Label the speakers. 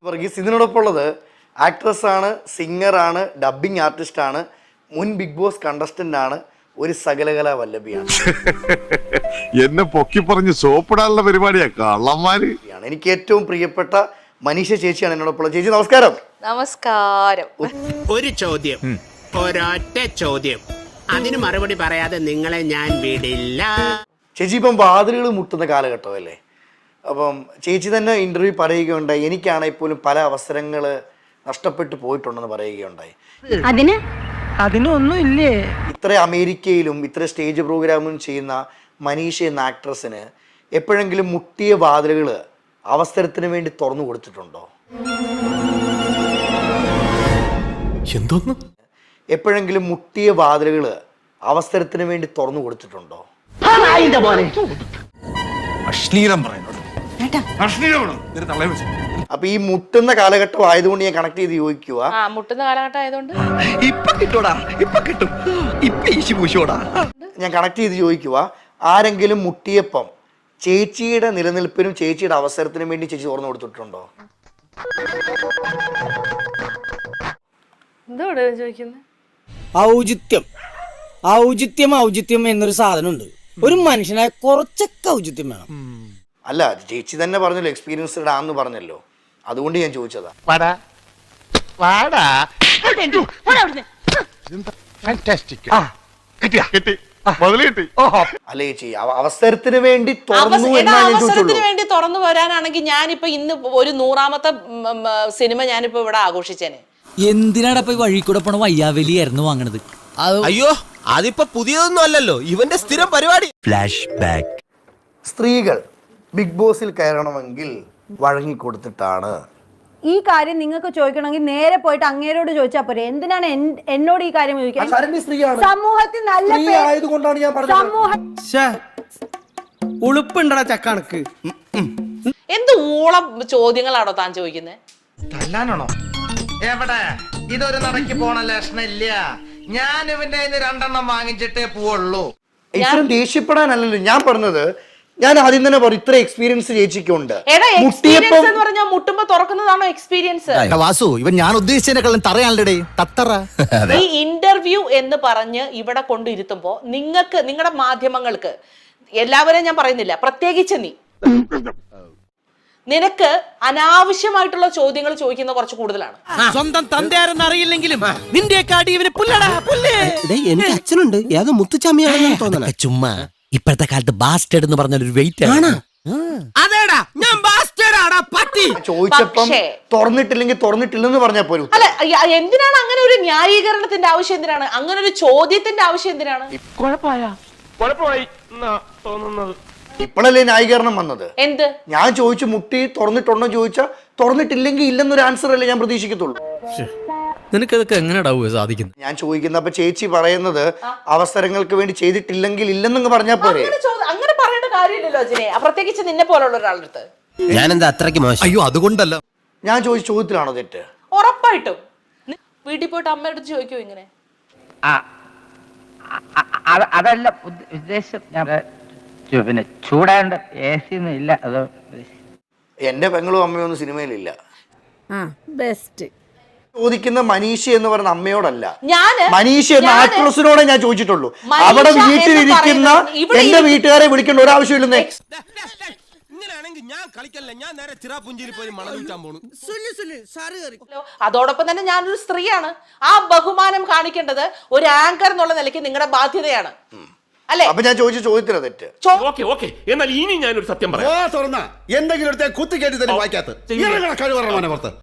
Speaker 1: വർഗീസ് ഇതിനോടൊപ്പം ഉള്ളത് ആക്ട്രസ് ആണ്, സിംഗർ ആണ്, ഡബ്ബിംഗ് ആർട്ടിസ്റ്റ് ആണ്, മുൻ ബിഗ് ബോസ് കണ്ടസ്റ്റന്റ് ആണ്, ഒരു സകലകലാ വല്ലഭിയാണ്.
Speaker 2: എന്നെ പൊക്കി പറഞ്ഞ് സോപ്പിടാനുള്ള പരിപാടിയാ കള്ളന്മാര്.
Speaker 1: എനിക്ക് ഏറ്റവും പ്രിയപ്പെട്ട മനീഷ ചേച്ചിയാണ് എന്നോടൊപ്പം. ചേച്ചി നമസ്കാരം.
Speaker 3: നമസ്കാരം.
Speaker 4: ഒരു ചോദ്യം, ഒരൊറ്റ ചോദ്യം, അതിന് മറുപടി പറയാതെ നിങ്ങളെ ഞാൻ വിടില്ല.
Speaker 1: ചേച്ചി ഇപ്പം വാതിലുകൾ മുട്ടുന്ന കാലഘട്ടമല്ലേ? അപ്പം ചേച്ചി തന്നെ ഇന്റർവ്യൂ പറയുകയുണ്ടായി, എനിക്കാണെങ്കിൽ പോലും പല അവസരങ്ങൾ നഷ്ടപ്പെട്ടു പോയിട്ടുണ്ടെന്ന് പറയുകയുണ്ടായി.
Speaker 5: അതിനൊന്നും ഇല്ലേ?
Speaker 1: ഇത്ര അമേരിക്കയിലും ഇത്ര സ്റ്റേജ് പ്രോഗ്രാമും ചെയ്യുന്ന മനീഷ എന്ന ആക്ട്രസിന് എപ്പോഴെങ്കിലും മുട്ടിയ വാതിലുകൾ അവസരത്തിന് വേണ്ടി തുറന്നു കൊടുത്തിട്ടുണ്ടോ?
Speaker 6: എന്തോന്ന്?
Speaker 1: എപ്പോഴെങ്കിലും മുട്ടിയ വാതിലുകൾ അവസരത്തിന് വേണ്ടി തുറന്നു കൊടുത്തിട്ടുണ്ടോ?
Speaker 6: അശ്ലീലം പറയുന്നത്.
Speaker 1: അപ്പൊ ഈ മുട്ടുന്ന കാലഘട്ടം ആയതുകൊണ്ട് ഞാൻ കണക്ട് ചെയ്ത് ചോദിക്കുക,
Speaker 3: മുട്ടുന്ന കാലഘട്ടം ആയതുകൊണ്ട്
Speaker 5: ഇപ്പൊ കിട്ടൂടാ, ഇപ്പൊ കിട്ടും, ഇപ്പൊ ഈശി പൂശോടാ.
Speaker 1: ഞാൻ കണക്ട് ചെയ്ത് ചോദിക്കുക, ആരെങ്കിലും മുട്ടിയപ്പം ചേച്ചിയുടെ നിലനിൽപ്പിനും ചേച്ചിയുടെ അവസരത്തിനും വേണ്ടി ചേച്ചി തുറന്നു കൊടുത്തിട്ടുണ്ടോ?
Speaker 3: എന്തോടെ ചോദിക്കുന്നത്?
Speaker 7: ഔചിത്യം എന്നൊരു സാധനമുണ്ട്. ഒരു മനുഷ്യനായ കുറച്ചൊക്കെ ഔചിത്യം വേണം.
Speaker 1: അല്ല, ചേച്ചി തന്നെ പറഞ്ഞല്ലോ എക്സ്പീരിയൻസ്ഡ് ആണെന്ന് പറഞ്ഞല്ലോ, അതുകൊണ്ട് ഞാൻ ചോദിച്ചതാ. അല്ല ചേച്ചി, അവസരത്തിന് വേണ്ടി തുറന്നു
Speaker 3: അവസരത്തിന് വേണ്ടി തുറന്നു വരാനാണെങ്കിൽ ഞാനിപ്പോ ഇന്ന് ഒരു 100ാമത്തെ സിനിമ ഞാനിപ്പോ ഇവിടെ ആഘോഷിച്ചേനെ.
Speaker 8: എന്തിനാടാ പോയി വഴി കൂടെ പോണ വയ്യാവലി ആയിരുന്നു വാങ്ങണത്?
Speaker 6: അയ്യോ, അതിപ്പോ പുതിയതൊന്നും അല്ലല്ലോ, ഇവന്റെ സ്ഥിരം പരിപാടി. Flash back.
Speaker 1: സ്ത്രീകൾ ബിഗ് ബോസിൽ കയറണമെങ്കിൽ വഴങ്ങിക്കൊടുത്തിട്ടാണ്.
Speaker 9: ഈ കാര്യം നിങ്ങൾക്ക് ചോദിക്കണമെങ്കിൽ നേരെ പോയിട്ട് അങ്ങേരോട് ചോദിച്ചാൽ പോരെ. എന്തിനാണ് എന്നോട് ഈ കാര്യം ചോദിക്കാൻ? സമൂഹത്തിൽ നല്ല
Speaker 1: ആയതുകൊണ്ടാണ് ഞാൻ പറഞ്ഞത്.
Speaker 7: ഉളുപ്പുണ്ടടാ ചക്കണക്ക്.
Speaker 3: എന്ത് ഊളം ചോദ്യങ്ങളാണോ താൻ ചോദിക്കുന്നത്?
Speaker 5: തല്ലാനാണോ? എവിടെ? ഇതൊരു നടക്ക് പോണ ലക്ഷണം ഇല്ല. ഞാൻ ഇവന്റെ 2 വാങ്ങിച്ചിട്ടേ പോവുള്ളൂ.
Speaker 1: ഇത്രയും ദേഷ്യപ്പെടാനല്ലല്ലോ ഞാൻ പറഞ്ഞത്. ഞാൻ ആദ്യം തന്നെ പറഞ്ഞു, ഇത്ര എക്സ്പീരിയൻസ് ചേച്ചിക്കുണ്ട്.
Speaker 3: എക്സ്പീരിയൻസ് എന്ന് പറഞ്ഞാൽ മുട്ടുമ്പോ തുറക്കുന്നതാണോ എക്സ്പീരിയൻസ്?
Speaker 6: വാസു, ഇവൻ ഞാൻ ഉദ്ദേശിച്ചതിനെക്കാളും തറയാണല്ലേ തത്തറ.
Speaker 3: ഈ ഇന്റർവ്യൂ എന്ന് പറഞ്ഞ് ഇവിടെ കൊണ്ടിരുത്തുമ്പോ നിങ്ങൾക്ക്, നിങ്ങളുടെ മാധ്യമങ്ങൾക്ക്, എല്ലാവരെയും ഞാൻ പറയുന്നില്ല, പ്രത്യേകിച്ച് നിനക്ക് അനാവശ്യമായിട്ടുള്ള ചോദ്യങ്ങൾ ചോദിക്കുന്ന കുറച്ച് കൂടുതലാണ്.
Speaker 8: സ്വന്തം തന്തയാരെന്ന് അറിയില്ലെങ്കിലും നിന്റെ
Speaker 6: എനിക്ക് അച്ഛനുണ്ട്, ഏതോ മുത്തുച്ചാമിയാണെന്ന് തോന്നണ.
Speaker 8: ചുമ്മാ ഇപ്പോഴത്തെ കാലത്ത് ബാസ്റ്റേഡ് എന്ന് പറഞ്ഞ ഒരു വെയിറ്റ് ആണ്.
Speaker 6: അതേടാ, ഞാൻ ബാസ്റ്റേഡാടാ പട്ടി.
Speaker 1: ചോദിച്ചപ്പം തുറന്നിട്ടില്ലെങ്കിൽ തുറന്നിട്ടില്ലെന്ന് പറഞ്ഞാൽ പോലും.
Speaker 3: അല്ല, എന്തിനാണ് അങ്ങനെ ഒരു ന്യായീകരണത്തിന്റെ ആവശ്യം? എന്തിനാണ് അങ്ങനെ ഒരു ചോദ്യത്തിന്റെ ആവശ്യം? എന്തിനാണ്?
Speaker 1: ഇപ്പോഴല്ലേ ന്യായീകരണം വന്നത്?
Speaker 3: എന്ത്?
Speaker 1: ഞാൻ ചോദിച്ചു മുട്ടി തുറന്നിട്ടുണ്ടോ ചോദിച്ചാൽ തുറന്നിട്ടില്ലെങ്കിൽ ഇല്ലെന്നൊരു ആൻസർ അല്ലേ ഞാൻ പ്രതീക്ഷിക്കത്തുള്ളൂ.
Speaker 8: നിനക്കതൊക്കെ എങ്ങനെയാ സാധിക്കുന്നത്?
Speaker 1: ഞാൻ ചോദിക്കുന്ന, അപ്പൊ ചേച്ചി പറയുന്നത് അവസരങ്ങൾക്ക് വേണ്ടി ചെയ്തിട്ടില്ലെങ്കിൽ ഇല്ലെന്നങ്ങ് പറഞ്ഞാൽ പോരെ?
Speaker 3: അങ്ങനെ പറയേണ്ട കാര്യമില്ലല്ലോ അജിനെ, പ്രത്യേകിച്ച് നിന്നെ പോലുള്ള ഒരാളുടെ അടുത്ത്.
Speaker 6: ഞാൻ എന്താ അത്രയ്ക്ക് മോശം? അയ്യോ, അതുകൊണ്ടല്ല.
Speaker 1: ഞാൻ ചോദിച്ച ചോദ്യത്തിലാണോ തെറ്റ്?
Speaker 3: ഉറപ്പായിട്ടും. വീട്ടിൽ പോയിട്ട് അമ്മയുടെ അടുത്ത് ചോദിക്കോ ഇങ്ങനെ?
Speaker 5: അതല്ല ഉദ്ദേശം. പിന്നെ ചൂടാണ്ട് AC ഒന്നും ഇല്ല. അത്
Speaker 1: എന്റെ പെങ്ങളും അമ്മയൊന്നും സിനിമയിലില്ല.
Speaker 9: ബെസ്റ്റ്.
Speaker 1: ചോദിക്കുന്ന മനീഷ എന്ന് പറയുന്ന അമ്മയോടല്ല,
Speaker 3: ഞാന്
Speaker 1: മനീഷ എന്ന ആക്ട്രസിനോടെ ഞാൻ ചോദിച്ചിട്ടുള്ളൂ.
Speaker 3: മനീഷ
Speaker 1: അവിടെ
Speaker 3: എന്ന്
Speaker 1: വീട്ടിലിരിക്കുന്ന
Speaker 3: ഇവിടെ
Speaker 1: എന്റെ വീട്ടുകാരെ വിളിക്കേണ്ട ഒരാവശ്യമില്ലെന്നേ.
Speaker 6: ഇങ്ങനെയാണെങ്കിൽ ഞാൻ കളിക്കല്ല, ഞാൻ നേരെ ചിറാപുഞ്ചിയിൽ പോയി മണൽ വിൽക്കാൻ പോണു.
Speaker 3: അതോടൊപ്പം തന്നെ ഞാനൊരു സ്ത്രീയാണ്. ആ ബഹുമാനം കാണിക്കേണ്ടത് ഒരു ആങ്കർ എന്നുള്ള നിലയ്ക്ക് നിങ്ങളുടെ ബാധ്യതയാണ്, അല്ലേ?
Speaker 1: അപ്പൊ ഞാൻ ചോദിച്ച ചോദ്യത്തിലാ തെറ്റ്.
Speaker 4: എന്നാൽ ഇനി ഞാനൊരു സത്യം പറയാം.
Speaker 2: എന്തെങ്കിലും കുത്തി കയറ്റി തന്നെ വായിക്കാത്ത കഴിവ്